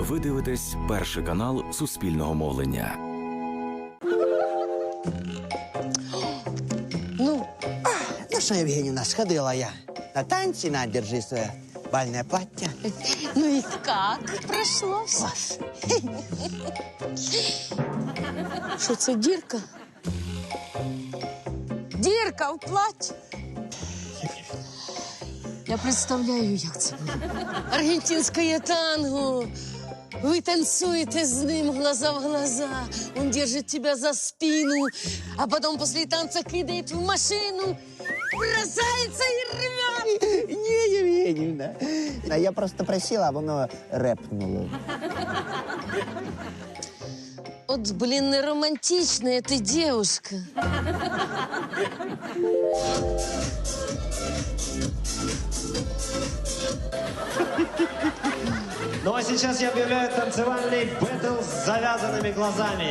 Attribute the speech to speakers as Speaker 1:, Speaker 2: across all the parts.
Speaker 1: Ви дивитесь перший канал Суспільного мовлення.
Speaker 2: Ну что, Евгеньевна, сходила я на танцы, на, держи свое бальное платье.
Speaker 3: Ну и как прошлось?
Speaker 2: Класс.
Speaker 3: Що це, дірка? Дірка в платі? Я представляю, як це буде. Аргентинське танго. Вы танцуете с ним глаза в глаза. Он держит тебя за спину, а потом после танца кидает в машину, бросается и рвет.
Speaker 2: Не, Евгеньевна. А я просто просила, а воно рэпнуло.
Speaker 3: Вот, блин, не романтичная ты девушка.
Speaker 4: Ну а сейчас я объявляю танцевальный бэтл с завязанными глазами.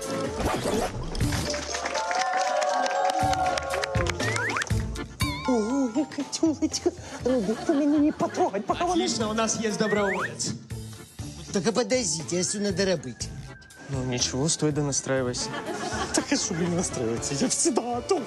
Speaker 2: Ой, Катюлечка, ты меня не потрогать, пока вона...
Speaker 4: Отлично, у нас есть доброволец.
Speaker 2: Так а подождите, а что надо робить?
Speaker 5: Ну ничего, стой да настраивайся.
Speaker 2: Так а что мне настраиваться? Я всегда готов.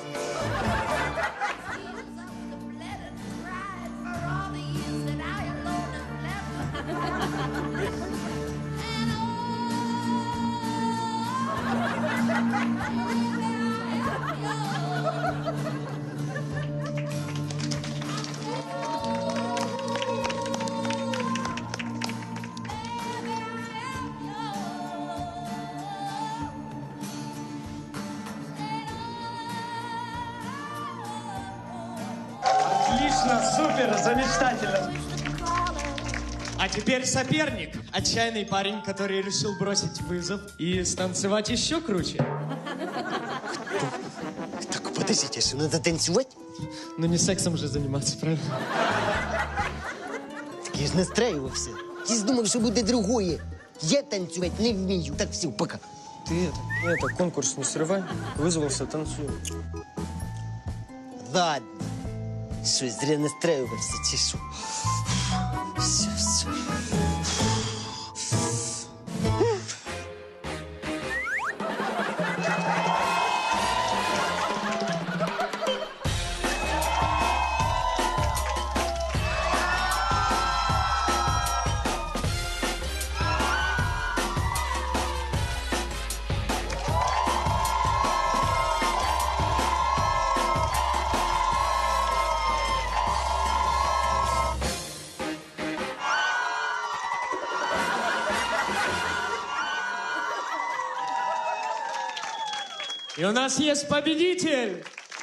Speaker 4: Отлично, супер, замечательно. А теперь соперник. Отчаянный парень, который решил бросить вызов и станцевать еще круче.
Speaker 2: Так, подождите, что надо танцевать?
Speaker 4: Ну не сексом же заниматься, правильно?
Speaker 2: Так я же настраивался. Я же думал, что будет другое. Я танцевать не умею. Так, все, пока.
Speaker 5: Ты это, конкурс не срывай. Вызвался, танцуй.
Speaker 2: Ладно. Что, зря настраивался, тишу. Все, все.
Speaker 4: И у нас есть победитель.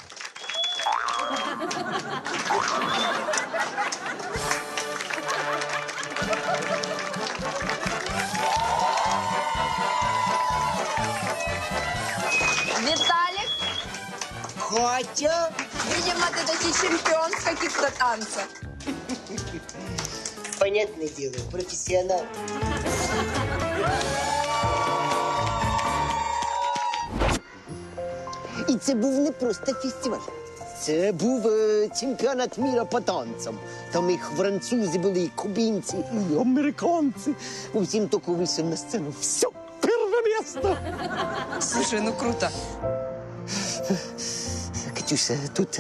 Speaker 6: Виталик,
Speaker 2: Хотя...
Speaker 6: видимо, ты таки чемпион в каких-то танцах.
Speaker 2: Понятное дело, профессионал. І це був не просто фестиваль. Це був чемпіонат міра по танцям. Там і французи були, і кубинці, і американці. Усім тільки вийшов на сцену. Все, перше місце.
Speaker 6: Слушай, ну круто.
Speaker 2: Катюша, тут,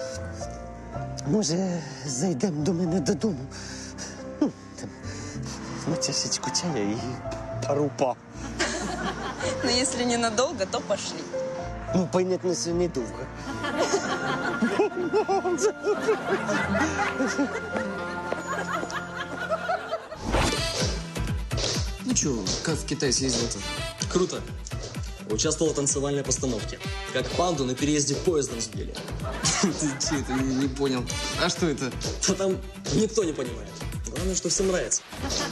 Speaker 2: може, зайдемо до мене додому? Ну, там, на чашечку чая і пару па.
Speaker 6: Но если ненадолго, то пошли.
Speaker 2: Ну, понятно, що недовго.
Speaker 7: Ну чё, как в Китай съездил-то?
Speaker 8: Круто. Участвовал в танцевальной постановке. Как панду на переезде поездом сбили.
Speaker 7: Ты че это, не понял. А что это?
Speaker 8: Да там никто не понимает. Главное, что всем нравится.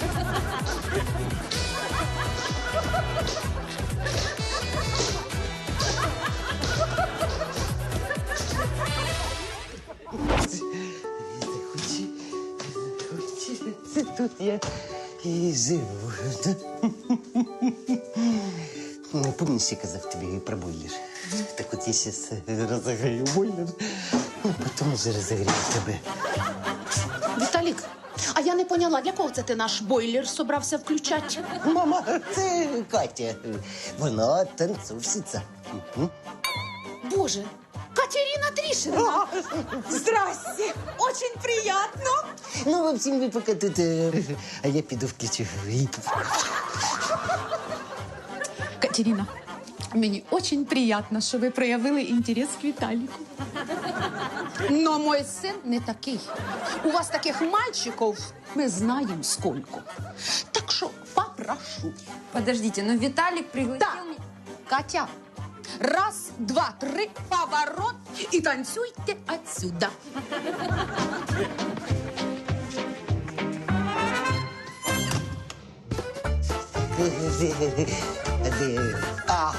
Speaker 2: Це тут я і живу. Ну, помнишь, я казав тобі про бойлер? Так от я зараз розіграю бойлер, потім вже розігрію тебе.
Speaker 9: Виталик, а я не поняла, для кого це ти наш бойлер собрався включати?
Speaker 2: Мама, це Катя. Вона танцовщиця.
Speaker 9: Боже, Катерина Тришина.
Speaker 6: Здрасте, очень приятно.
Speaker 2: Ну, в общем, ви поки тут, а я піду включу.
Speaker 9: Катерина, мені дуже приємно, що ви проявили інтерес к Віталіку. Но мой син не такий. У вас таких мальчиков ми знаємо сколько. Так що попрошу.
Speaker 10: Подождите, но Виталик пригласил
Speaker 9: Да.
Speaker 10: меня...
Speaker 9: Катя, раз, два, три, поворот и танцуйте отсюда.
Speaker 2: А,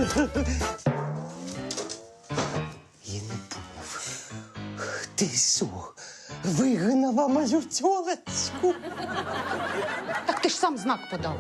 Speaker 2: я не поняв. Ти що, вигнала мою тьолочку?
Speaker 9: Так ти ж сам знак подав.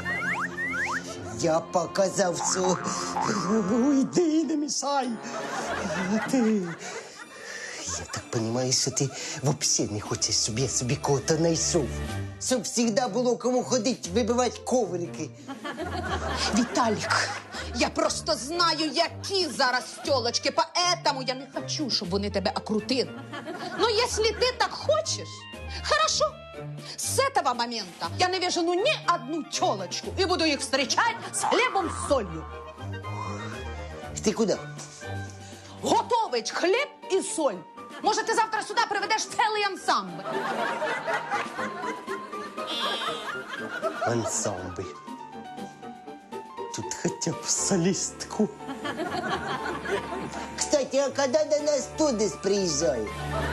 Speaker 2: Я показав, що уйди, не мішай. А ти... Я так розумію, що ти взагалі не хочеш, щоб я собі кого-то знайшов. Щоб завжди було кому ходити, вибивати коврики.
Speaker 9: Віталік, я просто знаю, які зараз тёлочки, поэтому я не хочу, щоб вони тебе окрутили. Но если ты так хочешь, хорошо. С этого момента я не вижу ни одну тёлочку и буду их встречать с хлебом с солью.
Speaker 2: Ти куди?
Speaker 9: Готовить хліб і соль. Може, ти завтра сюди приведеш цілий ансамбль.
Speaker 2: Ансамбль. Тут хоча б солістку. Кстати, а коли до нас Тодес приїжджає?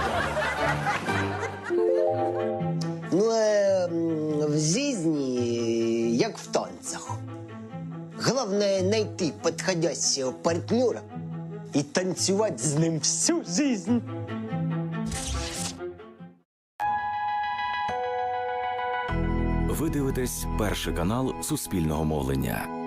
Speaker 2: Ну, в жизни, як в танцах. Главное найти подходящего партнера и танцевать с ним всю жизнь.
Speaker 1: Ви дивитесь перший канал Суспільного мовлення.